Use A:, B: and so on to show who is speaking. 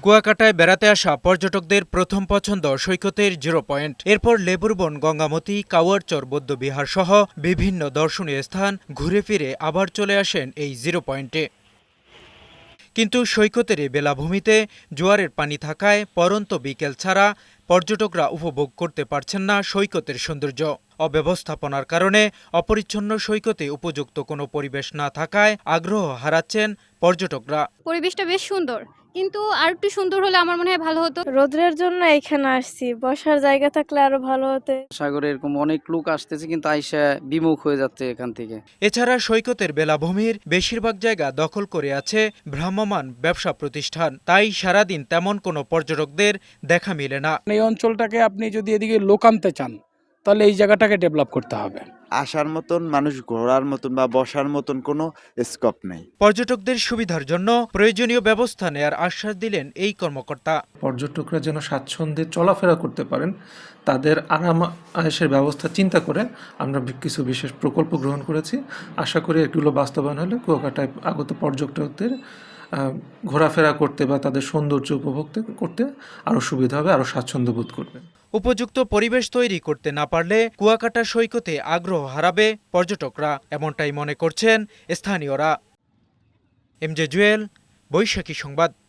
A: কুয়াকাটায় বেড়াতে আসা পর্যটকদের প্রথম পছন্দ সৈকতের 0 পয়েন্ট। এরপর লেবুরবন, গঙ্গামতি, কাওয়ারচর বৌদ্ধবিহার সহ বিভিন্ন দর্শনীয় স্থান ঘুরে ফিরে আবার চলে আসেন এই 0 পয়েন্টে। কিন্তু সৈকতের এই বেলাভূমিতে জোয়ারের পানি থাকায় পরন্ত বিকেল ছাড়া পর্যটকরা উপভোগ করতে পারছেন না সৈকতের সৌন্দর্য। অব্যবস্থাপনার কারণে অপরিচ্ছন্ন সৈকতে উপযুক্ত কোনো পরিবেশ না থাকায় আগ্রহ হারাচ্ছেন পর্যটকরা।
B: পরিবেশটা বেশ সুন্দর, কিন্তু আর একটু সুন্দর হলে আমার মনে হয় ভালো হতো।
C: রোদ্রের জন্য এখানে আসছি, বসার জায়গা থাকলে আরো ভালো হতো।
D: সাগরে এরকম অনেক লোক আসতেছে, কিন্তু আইসা বিমুখ হয়ে যাচ্ছে এখান থেকে।
A: এছাড়া সৈকতের বেলাভূমির বেশিরভাগ জায়গা দখল করে আছে ভ্রাম্যমাণ ব্যবসা প্রতিষ্ঠান, তাই সারাদিন তেমন কোনো পর্যটকদের দেখা মেলে না।
E: এই অঞ্চলটাকে আপনি যদি এদিকে লোক আনতে চান, তাহলে এই জায়গাটাকে ডেভেলপ করতে হবে।
F: আসার মতন, মানুষ ঘোরার মতন বা বসার মতন কোনো স্কোপ নেই।
A: পর্যটকদের সুবিধার জন্য প্রয়োজনীয় ব্যবস্থা নেয়ার আশ্বাস দিলেন এই কর্মকর্তা।
G: পর্যটকরা যেন স্বাচ্ছন্দ্যে চলাফেরা করতে পারেন, তাদের আরাম আয়েশের ব্যবস্থা চিন্তা করে আমরা কিছু বিশেষ প্রকল্প গ্রহণ করেছি। আশা করি এগুলো বাস্তবায়ন হলে কুয়াকাটায় আগত পর্যটকদের ঘোরাফেরা করতে বা তাদের সৌন্দর্য উপভোগ করতে আরও সুবিধা হবে, আরও স্বাচ্ছন্দ্য বোধ করবে।
A: উপযুক্ত পরিবেশ তৈরি করতে না পারলে কুয়াকাটা সৈকতে আগ্রহ হারাবে পর্যটকরা, এমনটাই মনে করছেন স্থানীয়রা। এমজে জুয়েল, বৈশাখী সংবাদ।